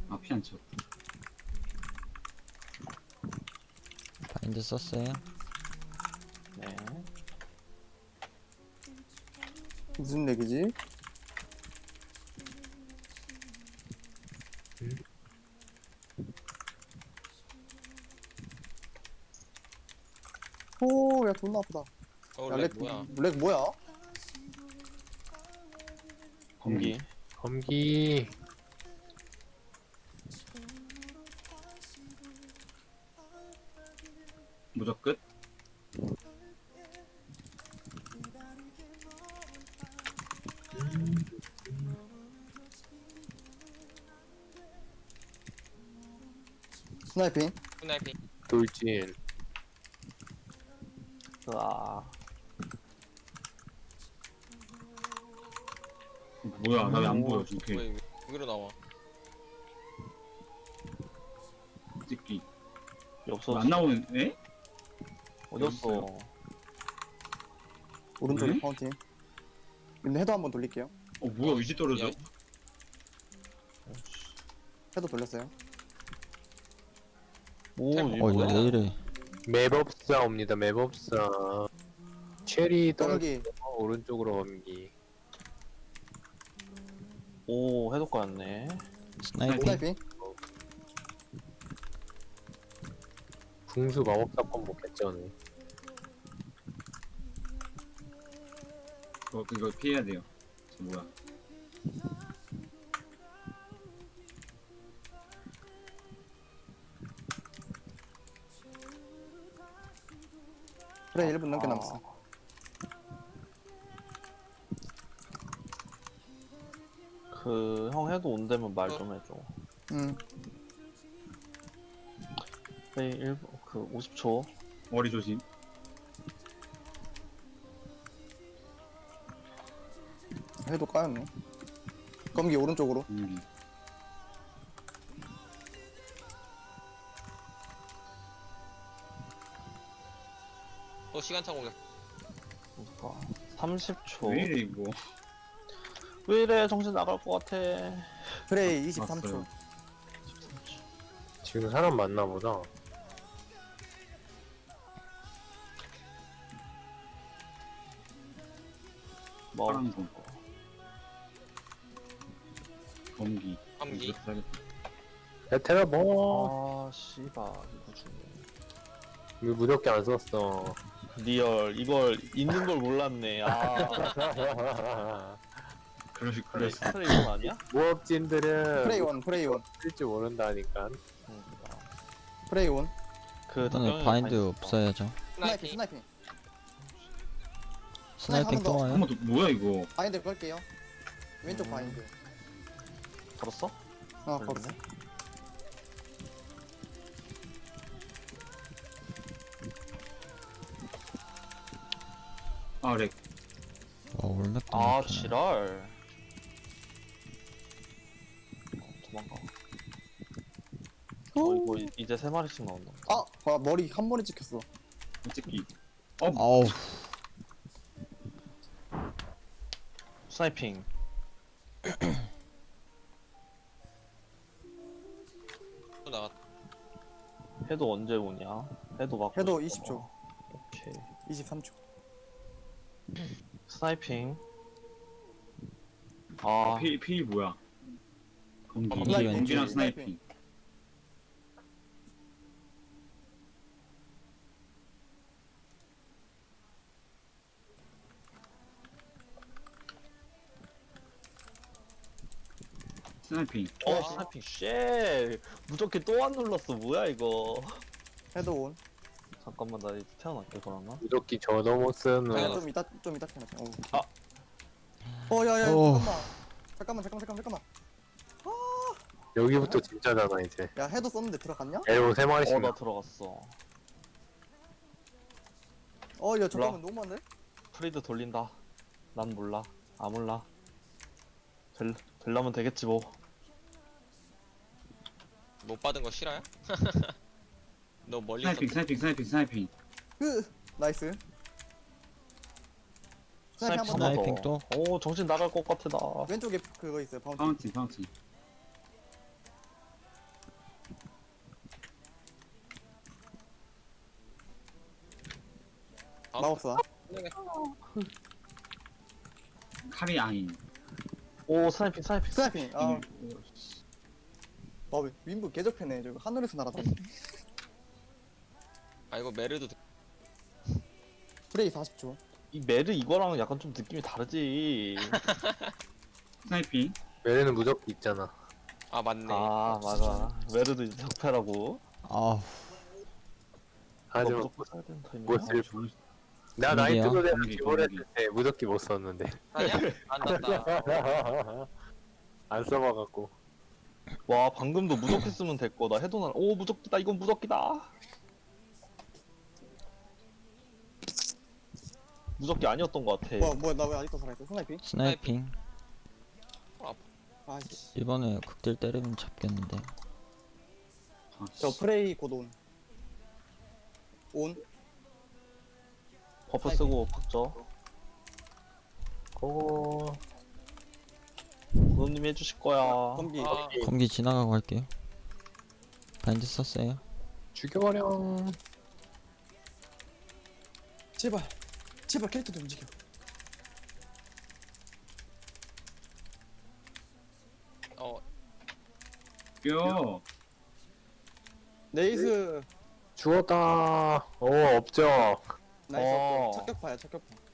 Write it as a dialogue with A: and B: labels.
A: 아, 피 안 쳐.
B: 바인드 썼어요.
C: 네.
D: 무슨 얘기지? 오, 야, 존나 아프다. 야,
E: 렉 뭐야?
D: 렉 뭐야?
A: 검기.
C: 검기.
A: 무적 끝.
D: 스나이핑.
E: 스나이핑.
C: 돌진. 아,
A: 뭐야, 나 왜 안 보여, 지금.
E: 왜 여기로 나와?
A: 찍기.
C: 없어.
A: 안 나오는, 에?
C: 어딨어?
D: 오른쪽에
A: 네?
D: 파운틴. 근데 헤드 한번 돌릴게요.
A: 뭐야, 의지 떨어져?
E: 야.
D: 헤드 돌렸어요.
C: 오,
E: 템.
C: 이거
B: 어 이거
C: 뭐야?
B: 왜 이래?
C: 맵업사 옵니다. 맵업사. 체리 떨어지
D: 떨기.
C: 오른쪽으로 검기. 오, 해독 거였네.
B: 스나이핑.
D: 스나이핑.
C: 궁수 마법사 콤보 개쩌네.
A: 이거 피해야 돼요. 저 뭐야.
D: 그래, 1분 넘게 남았어.
C: 그, 형 해도 온다면 말 좀 해줘.
D: 응.
C: 네, 1분, 그, 50초.
A: 머리 조심.
D: 헤드 까였네. 검기 오른쪽으로.
E: 시간차 공격.
C: 그러니까 30초.
A: 왜 이래, 이거.
C: 왜 이래? 정신 나갈 것 같아.
D: 프레이 23초.
A: 왔어요.
C: 지금 사람 많나 보다. 뭐,
A: 파란 거. 검기.
E: 검기.
A: 이거 써야겠다.
C: 베테라 뭐? 아, 씨발. 이거 주네. 왜 무적기 안 썼어? 리얼. 이걸, 있는 걸 몰랐네. 아.
A: 그랬어.
C: 스트레이 이건 아니야? 무업진들은
D: 프레이 원, 프레이 원.
C: 쓸줄 모른다니까.
D: 프레이 원.
C: 그
B: 이거는 바인드 없어야죠.
D: 스나이핑,
E: 스나이핑.
D: 스나이핑.
B: 스나이핑 또 와요?
A: 한 번 더, 뭐야, 이거.
D: 바인드 걸게요. 왼쪽 바인드.
C: 걸었어?
D: 걸었어.
A: 아, 렉.
B: 와 올맥도
C: 아,
B: 이렇게
C: 지랄. 도망가. 이거 이제 3마리씩 나온다.
D: 아, 머리 한 번에 찍혔어.
A: 찍기.
B: 아우
C: 스나이핑.
E: 또 나갔.
C: 해도 언제 오냐? 해도 막.
D: 해도 20초.
C: 오케이.
D: 23초.
C: 스나이핑. 아,
A: 피 뭐야. 검기.
B: 검기
A: 검기랑
B: 왼쪽.
A: 스나이핑. 스나이핑.
C: 스나이핑 쉣. 무조건 또 안 눌렀어. 뭐야 이거?
D: 헤드 온.
C: 잠깐만 나 이제 태어날게 그러나?
F: 무조건 저도 못 쓰는
D: 야,
E: 네.
D: 좀 이따 캐나자.
C: 아.
D: 야야
B: 오.
D: 잠깐만.
F: 여기부터 진짜잖아 이제.
D: 야, 헤드 썼는데 들어갔냐?
F: 엘보 3마리씩
C: 나 들어갔어.
D: 야, 잠깐만 너무 많네.
C: 프리드 돌린다. 난 몰라. 아 몰라. 될라면 되겠지 뭐.
E: 못 받은 거 싫어요? 너 멀리
A: 스나이핑,
E: 있었.
A: 스나이핑.
D: 나이스. 스나이핑 한번 더.
B: 스나이핑 또?
C: 오 정신 나갈 것 같아 나.
D: 왼쪽에 그거 있어요. 바운티.
A: 파운틴.
D: 마법사.
A: 칼이 아닌.
C: 오 스나이핑 스나이핑.
D: 스나이핑. 아,
A: 오,
D: 윈부 개적패네. 저거 하늘에서 날았더니.
E: 아 이거 메르도
D: 프레이 40초.
C: 이 메르 이거랑 약간 좀 느낌이 다르지.
A: 스나이핑.
F: 메리는 무적기 있잖아.
E: 아 맞네.
C: 아 맞아. 메르도 이제 적패라고.
B: 아우
F: 하지만
C: 무조건 써야 된다.
F: 뭐 쓸- 나
B: 공기야?
F: 나이트도 내가
A: 공기,
F: 기본했을 때 무적기 못 썼는데
E: 아니야? 안 났다.
F: 안 써봐갖고.
C: 와 방금도 무적했으면 됐고 나 해도 오 무적기다 이건 무적기다. 무적기 아니었던 것 같아.
D: 뭐야, 나 왜 아직도 살아있어? 스나이핑?
B: 스나이핑.
D: 아씨.
B: 이번에 극딜 때리면 잡겠는데.
A: 아,
D: 저 프레이 곧 온. 온?
C: 버프 쓰고 박죠.
F: 고
C: 고놈님이 해주실 거야.
D: 검기.
E: 아,
B: 검기 지나가고 할게요. 바인드 썼어요.
F: 죽여버려.
D: 제발. 제발 캐릭터 좀 움직여.
E: 어
A: 뼈.
D: 네이스.
F: 죽었다. 오 없죠.
D: 나이스.
C: 어.
D: 착격파야, 착격파.